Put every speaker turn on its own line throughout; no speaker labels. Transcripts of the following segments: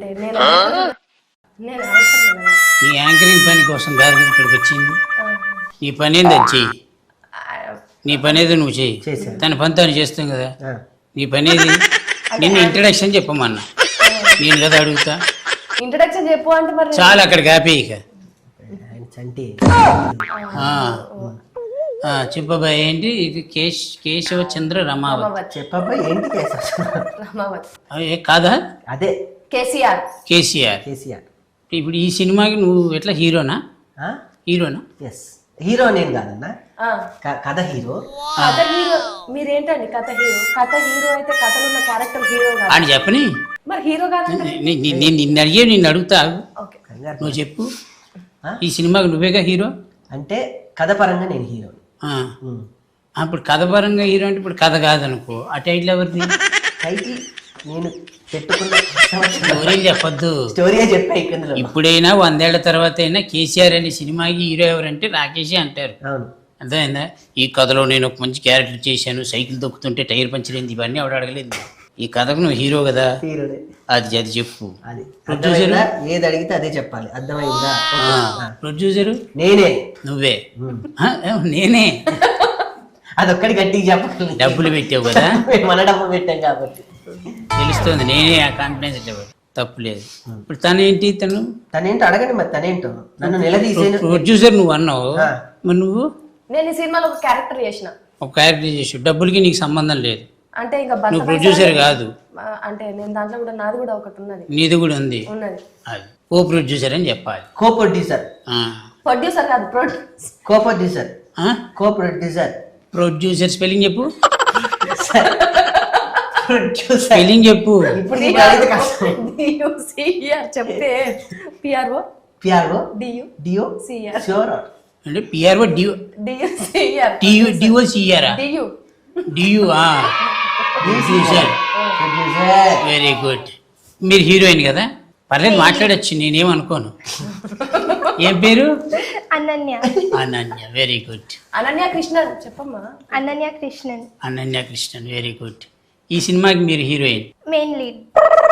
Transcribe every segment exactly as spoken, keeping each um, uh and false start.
నేను నేను అవసరం లేదా?
నీ యాంకరింగ్ పని కోసం కాదు కదా ఇక్కడికి వచ్చింది. నీ పని ఏంది అది చెయ్యి. నీ పని ఏదో నువ్వు చెయ్యి. తన పని తను చేస్తాం కదా. నీ పని ఏది? నిన్ను ఇంట్రడక్షన్ చెప్పమన్నా. నేను కదా అడుగుతా.
ఇంట్రడక్షన్ చెప్పు అంటే మరి
చాలా అక్కడికి ఆపే ఇక. చెప్పబాయ్ ఏంటి ఇది? కేశ్ కేశవ చంద్ర రమావత్.
చెప్పబాయ్ ఏంటి?
రమావత్
కాదా?
అదే
కేసీఆర్.
కేసీఆర్.
కేసీఆర్.
ఇప్పుడు ఈ సినిమాకి నువ్వు ఎట్లా హీరోనా? హీరోనా?
ఎస్ హీరో నేను కాదన్నా, కథ హీరో.
కథ హీరో మీరేంటండి? కథ హీరో కథ హీరో అయితే కథలో ఉన్న క్యారెక్టర్ హీరో కాదు
అని చెప్పని.
మరి హీరో కాదంటే
నేను నిన్ను అడిగే నిన్ను అడుగుతా. నువ్వు చెప్పు, ఈ సినిమాకి నువ్వేగా హీరో
అంటే కథ పరంగా నేను హీరో.
ఇప్పుడు కథ పరంగా హీరో అంటే ఇప్పుడు కథ కాదనుకో, ఆ టైటిల్ ఎవరిది?
టైటిల్ నేను పెట్టుకున్న
స్టోరీ చెప్పొద్దు.
స్టోరీ చెప్పా.
ఇప్పుడైనా వందేళ్ల తర్వాత అయినా కేసీఆర్ అనే సినిమాకి హీరో ఎవరంటే రాకేషే అంటారు. అర్థమైందా? ఈ కథలో నేను ఒక మంచి క్యారెక్టర్ చేశాను, సైకిల్ దొక్కుతుంటే టైర్ పంచలేదు, ఇవన్నీ ఆవిడ అడగలేదు. ఈ కథకు నువ్వు హీరో కదా, అది అది చెప్పు.
ప్రొడ్యూసర్ ఏది అడిగితే అదే చెప్పాలి. అర్థమైందా?
ప్రొడ్యూసర్
నేనే.
నువ్వే? నేనే.
అదొక్కడి గట్టిగా చెప్పాలి.
డబ్బులు పెట్టావు కదా,
మన డబ్బులు పెట్టాం కాబట్టి
తెలుస్తుంది. నేనే ఆ కాన్ఫిడెన్స్ తప్పు లేదు. ఇప్పుడు తనేంటి? తను
తనేంటో అడగండి మరి. తనేంటో నన్ను నిలదీసే
ప్రొడ్యూసర్ నువ్వు అన్నావు, మరి నువ్వు?
నేను ఈ సినిమాలో ఒక క్యారెక్టర్ చేసిన. ఒక
క్యారెక్టర్ చేసి డబ్బులకి నీకు సంబంధం లేదు.
అంటే ఇంకా
నువ్వు ప్రొడ్యూసర్ కాదు.
అంటే నేను దాంట్లో కూడా నాది కూడా ఒకటి ఉన్నది.
నీది కూడా ఉంది.
ఉన్నది.
అది కో ప్రొడ్యూసర్ అని చెప్పాలి.
Co producer.
ప్రొడ్యూసర్ కాదు, producer.
Co producer. Co producer.
Producer spelling చెప్పు. స్పెల్లింగ్ చెప్పు.
చెప్తే PRO
PRO
DU
DO
CR.
Sure
అంటే PRO DO
DU CR.
DU DO CR.
DU
DU ఆ ప్రొడ్యూసర్. Very good. మీరు హీరోయిన్ కదా, పర్లేదు మాట్లాడచ్చు, నేనేమనుకోను. ఏం పేరు?
అనన్య.
అనన్య. Very good.
అనన్య కృష్ణన్ చెప్పమ్మా.
అనన్య కృష్ణన్.
అనన్య కృష్ణన్. Very good. ఈ సినిమాకి మీరు హీరోయిన్,
మెయిన్ లీడ్.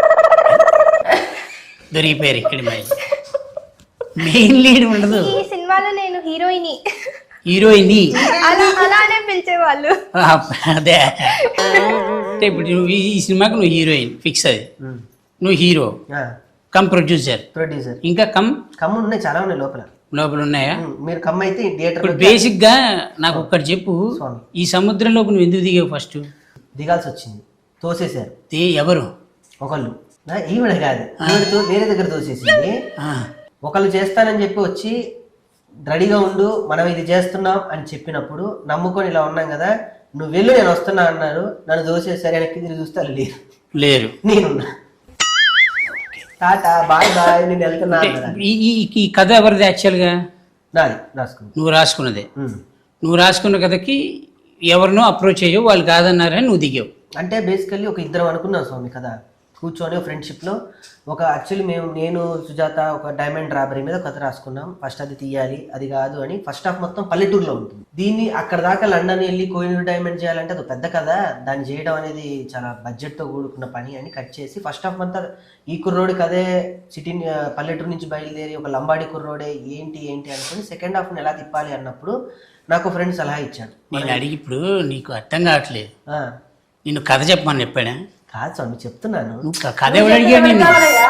దొరికిపోయారు ఇక్కడ. మెయిన్ లీడ్ ఉండదు
ఈ సినిమాలో. నేను హీరోయిన్.
హీరోయిన్
అలానే పిలిచేవాళ్ళు.
అదే అంటే ఇప్పుడు నువ్వు ఈ సినిమాకి నువ్వు హీరోయిన్ ఫిక్స్. అది నువ్వు హీరో కమ్ ప్రొడ్యూసర్.
ప్రొడ్యూసర్
ఇంకా కమ్
కమ్ ఉన్నాయి, చాలా ఉన్నాయి లోపల.
లోపల ఉన్నాయా?
మీరు కమ్ అయితే థియేటర్.
బేసిక్ గా నాకు ఒక్కటి చెప్పు, ఈ సముద్రంలోకి నువ్వు ఎందుకు దిగావు? ఫస్ట్
దిగాల్సి వచ్చింది, తోసేశారు.
ఎవరు?
ఒకళ్ళు. ఈవిడ కాదు, ఈవిడతో వేరే దగ్గర తోసేసింది. ఒకళ్ళు చేస్తానని చెప్పి వచ్చి రెడీగా ఉండు, మనం ఇది చేస్తున్నాం అని చెప్పినప్పుడు నమ్ముకొని ఇలా ఉన్నాం కదా, నువ్వు వెళ్ళు నేను వస్తున్నా అన్నారు. నన్ను దోసేసరి వెనక్కి తిరిగి చూస్తారు, లేరు.
లేరు.
నేనున్నా. టాటా బాయ్ బాయ్ నేను వెళ్తున్నా.
ఈ కథ ఎవరిది యాక్చువల్గా?
నాది. రాసుకున్నా.
నువ్వు రాసుకున్నదే. నువ్వు రాసుకున్న కథకి ఎవరినో అప్రోచ్ అయ్యో, వాళ్ళు కాదన్నారని నువ్వు దిగావు.
అంటే బేసికల్లీ ఒక ఇద్దరం అనుకున్నాం స్వామి కదా, కూర్చొని ఫ్రెండ్షిప్లో ఒక యాక్చువల్లీ మేము నేను సుజాత ఒక డైమండ్ రాబరీ మీద కథ రాసుకున్నాం. ఫస్ట్ అది తీయాలి, అది కాదు అని. ఫస్ట్ హాఫ్ మొత్తం పల్లెటూరులో ఉంటుంది. దీన్ని అక్కడ దాకా లండన్ వెళ్ళి కోహినూర్ డైమండ్ చేయాలంటే అది పెద్ద కథ, దాన్ని చేయడం అనేది చాలా బడ్జెట్తో కూడుకున్న పని అని కట్ చేసి ఫస్ట్ హాఫ్ అంతా ఈ కుర్రోడికి అదే సిటీ పల్లెటూరు నుంచి బయలుదేరి ఒక లంబాడి కుర్రోడే ఏంటి ఏంటి అనుకుని సెకండ్ హాఫ్ని ఎలా తిప్పాలి అన్నప్పుడు నాకు ఫ్రెండ్ సలహా ఇచ్చాడు.
నేను అడిగి ఇప్పుడు నీకు అర్థం కావట్లేదు, నిన్ను కథ చెప్పమని చెప్పాడా?
కాదు స్వామి చెప్తున్నాను.
కథ ఎవరు అడిగా? నేను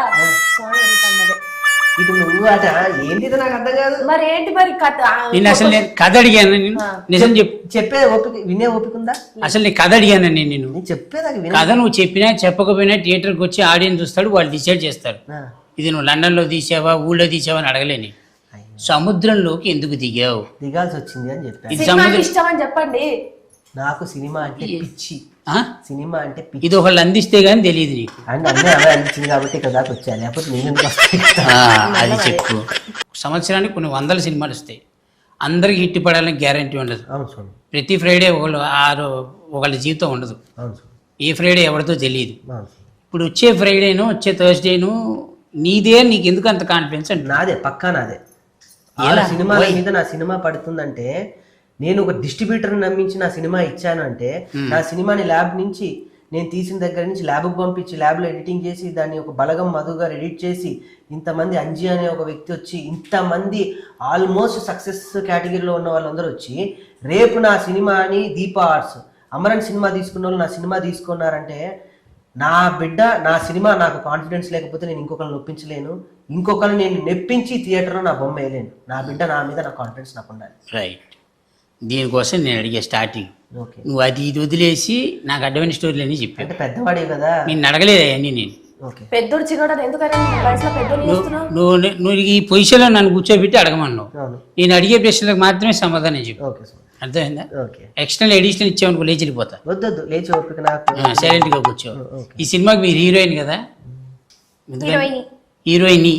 ఇటు నువ్వు అట ఏంటి నాకు అర్థం కాదు.
మరి ఏంటి మరి కథ?
నేను అసలు నేను కథ అడిగాను. నేను నిజం చెప్పు.
చెప్పే ఓపిక వినే ఓపిక ఉందా?
అసలు నీ కథ అడిగాను నేను. నేను
చెప్పేదాకా
కథ నువ్వు చెప్పినా చెప్పకపోయినా థియేటర్కి వచ్చి ఆడియన్స్ చూస్తాడు, వాళ్ళు డిసైడ్ చేస్తారు. ఇది నువ్వు లండన్లో తీసావా ఊళ్ళో తీసావా అని అడగలేని. సముద్రంలోకి ఎందుకు దిగావు?
దిగాల్సి వచ్చింది అని చెప్పాను.
ఇది సముద్రం
ఇష్టం అని చెప్పండి.
నాకు సినిమా అంటే పిచ్చి. సినిమా అంటే పిచ్చి.
ఇది ఒకళ్ళు అందిస్తే గానీ తెలియదు నీకు.
అంటే అన్నీ అవే అందించింది కాబట్టి ఇక్కడ దాకా వచ్చాను, లేకపోతే నేను ఎందుకు వస్తాను?
అది చెప్పు. సంవత్సరానికి కొన్ని వందల సినిమాలు వస్తాయి, అందరికి హిట్ పడాలని గ్యారంటీ ఉండదు. ప్రతి ఫ్రైడే ఒకళ్ళు ఆరు ఒకళ్ళ జీవితం ఉండదు. ఏ ఫ్రైడే ఎవరితో తెలియదు. ఇప్పుడు వచ్చే ఫ్రైడేను వచ్చే థర్స్డేను నీదే, నీకు ఎందుకు అంత కాన్ఫిడెన్స్? అంటే
నాదే, పక్కా నాదే. ఆ సినిమాల మీద నా సినిమా పడుతుందంటే, నేను ఒక డిస్ట్రిబ్యూటర్ని నమ్మించి నా సినిమా ఇచ్చాను అంటే, నా సినిమాని ల్యాబ్ నుంచి నేను తీసిన దగ్గర నుంచి ల్యాబ్కి పంపించి ల్యాబ్లో ఎడిటింగ్ చేసి దాన్ని ఒక బలగం మధుగా ఎడిట్ చేసి ఇంతమంది అంజీ అనే ఒక వ్యక్తి వచ్చి ఇంతమంది ఆల్మోస్ట్ సక్సెస్ కేటగిరీలో ఉన్న వాళ్ళందరూ వచ్చి రేపు నా సినిమాని దీపా ఆర్ట్స్ అమరన్ సినిమా తీసుకున్న వాళ్ళు నా సినిమా తీసుకున్నారంటే నా బిడ్డ నా సినిమా నాకు కాన్ఫిడెన్స్ లేకపోతే నేను ఇంకొకరిని నొప్పించలేను, ఇంకొకరిని నేను నెప్పించి థియేటర్లో నా బొమ్మ వేయలేను. నా బిడ్డ నా మీద నా కాన్ఫిడెన్స్ నాకు ఉండాలి.
రైట్. దీనికోసం నేను అడిగే స్టార్టింగ్
ఓకే,
నువ్వు అది ఇది వదిలేసి నాకు అడ్డమైన స్టోరీలు అని చెప్పాను.
అంటే పెద్దవాడే కదా.
నేను అడగలేదు అవన్నీ. నేను
ఓకే,
పెద్దోడు చిన్నోడు ఎందుకని వయసులో పెద్దోడు చేస్తున్నావు?
నువ్వు నువ్వు ఈ పొజిషన్లో నన్ను కూర్చోబెట్టి అడగమన్నావు.
అవును,
నేను అడిగే ప్రశ్నలకు మాత్రమే సమాధానం చెప్పు.
ఓకే సార్,
అర్థమైందా?
ఓకే.
ఎక్స్టర్నల్ ఎడిషనల్ ఇచ్చామనుకో లేచి వెళ్ళిపోతా.
వద్దొద్దు, లేచి ఓపిక నాకు.
సైలెంట్గా కూర్చో.
ఓకే.
ఈ సినిమాకి మీరు హీరోయిన్ కదా?
Heroine
heroine.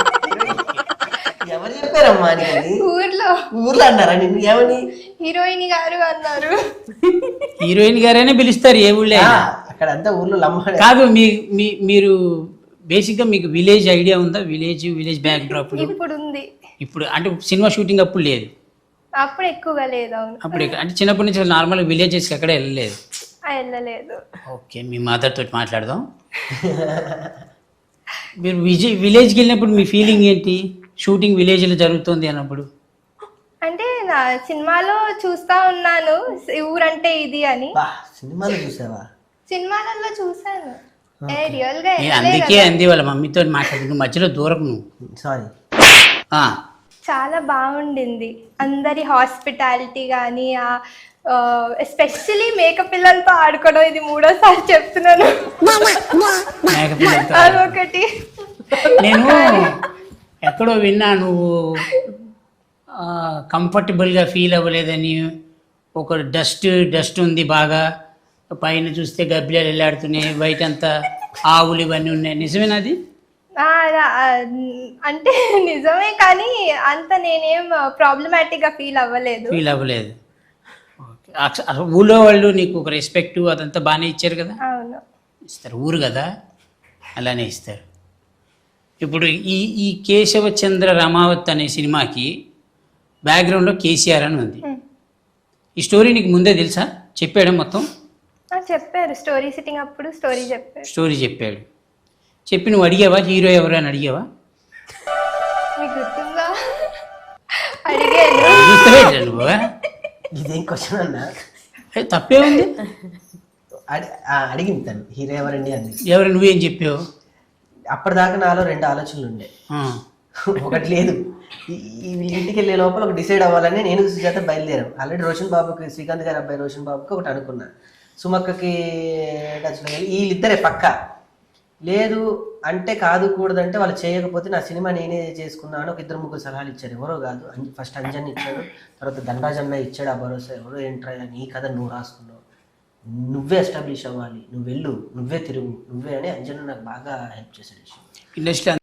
ఎవరు చెప్పారమ్మా నీకు?
ఊర్లో
ఊర్లో అన్నారా నిన్ను? ఏమని?
హీరోయిన్ గారు అన్నారు.
హీరోయిన్ గారైనా పిలుస్తారు ఏ ఊళ్ళో అయినా.
అక్కడ అంతా ఊర్లో లమ్మ
కాదు, మీ మీ- మీరు బేసిక్గా మీకు విలేజ్ ఐడియా ఉందా? విలేజ్ విలేజ్ బ్యాక్ డ్రాప్
ఇప్పుడు ఉంది,
ఇప్పుడు అంటే సినిమా షూటింగ్ అప్పుడు లేదు,
అప్పుడు ఎక్కువగా లేదు. అవును,
అప్పుడు ఎక్క- అంటే చిన్నప్పటి నుంచి నార్మల్ విలేజెస్కి ఎక్కడ వెళ్ళలేదు.
ఆ, వెళ్ళలేదు.
ఓకే, మీ మదర్ తోటి మాట్లాడదాం. మీరు విజయ్ విలేజ్కి వెళ్ళినప్పుడు మీ ఫీలింగ్ ఏంటి? షూటింగ్ విలేజ్లో జరుగుతుంది అన్నప్పుడు
అంటే నా సినిమాలో చూస్తా ఉన్నాను ఈ ఊరంటే ఇది అని.
బా, సినిమాలో చూసావా?
సినిమాలలో చూసాను, ఏ రియల్ గా
నేను
వెళ్ళలే
అందుకే
కదా.
అంది వాళ్ళ మమ్మీతో మాట్లాడి నువ్వు మధ్యలో దూరం నువ్వు.
సారీ.
ఆ,
చాలా బాగుండింది. అందరి హాస్పిటాలిటీ కానీ ఎస్పెషలీ మేక పిల్లలతో ఆడుకోవడం, ఇది మూడోసారి చెప్తున్నాను.
మేకపిల్లలతో
అదొకటి.
నేను ఎక్కడో విన్నా నువ్వు కంఫర్టబుల్గా ఫీల్ అవ్వలేదని. ఒక డస్ట్ డస్ట్ ఉంది బాగా, పైన చూస్తే గబ్బిలాలు వెళ్ళాడుతున్నాయి, బయట అంతా ఆవులు ఇవన్నీ ఉన్నాయి. నిజమేనాది?
ఆ, రా- ఆ, అంటే నిజమే, కానీ అంత నేనేం ప్రాబ్లమాటిక్ గా ఫీల్ అవ్వలేదు.
ఫీల్ అవ్వలేదు. ఓకే. అస- అసలు ఊళ్ళో వాళ్ళు నీకు ఒక రెస్పెక్ట్ అదంతా బాగానే ఇచ్చారు కదా?
అవును,
ఇస్తారు, ఊరు కదా అలానే ఇస్తారు. ఇప్పుడు ఈ ఈ కేశవచంద్ర రమావత్ అనే సినిమాకి బ్యాక్గ్రౌండ్లో కేసీఆర్ అని ఉంది.
Hmm.
ఈ స్టోరీ నీకు ముందే తెలుసా? చెప్పాడు మొత్తం?
ఆ, చెప్పారు. స్టోరీ సిట్టింగ్ అప్పుడు స్టోరీ చెప్పారు.
స్టోరీ చెప్పాడు. చెప్పి నువ్వు అడిగావా హీరో ఎవరు అని అడిగావా?
మీకు గుర్తుందా? అడిగాను.
గుర్తులేదా నువ్వు?
ఇదేం క్వశ్చన్ అన్నా?
ఏ, తప్పే ఉంది.
అడి- ఆ, అడిగింది తను, హీరో ఎవరండి అంది.
ఎవరు నువ్వేం చెప్పావు?
అప్పటిదాకా నాలో రెండు ఆలోచనలు ఉండే.
ఆ,
ఒకటి లేదు, ఈ- ఈ వీళ్ళ ఇంటికి వెళ్ళే లోపల ఒక డిసైడ్ అవ్వాలని నేను సుజాత బయలుదేరాం. ఆల్రెడీ రోషన్ బాబుకి, శ్రీకాంత్ గారి అబ్బాయి రోషన్ బాబుకి ఒకటి అనుకున్నా, సుమక్కకి టచ్లో వెళ్ళి వీళ్ళిద్దరే పక్క లేదు అంటే కాదు కూడదంటే వాళ్ళు చేయకపోతే నా సినిమా నేనే చేసుకున్నాను. ఒక ఇద్దరు ముగ్గురు సలహాలు ఇచ్చారు, ఎవరో కాదు. ఫస్ట్ అంజన్ ఇచ్చాడు, తర్వాత ధనరాజ్ అన్న ఇచ్చాడు ఆ భరోసా. ఎవరో ఏంట్రా నీ కథ నువ్వు రాసుకున్నావు, నువ్వే ఎస్టాబ్లిష్ అవ్వాలి, నువ్వు వెళ్ళు, నువ్వే తిరుగు, నువ్వే అని అంజన్ నాకు బాగా హెల్ప్ చేశాడు.
ఇండస్ట్రీ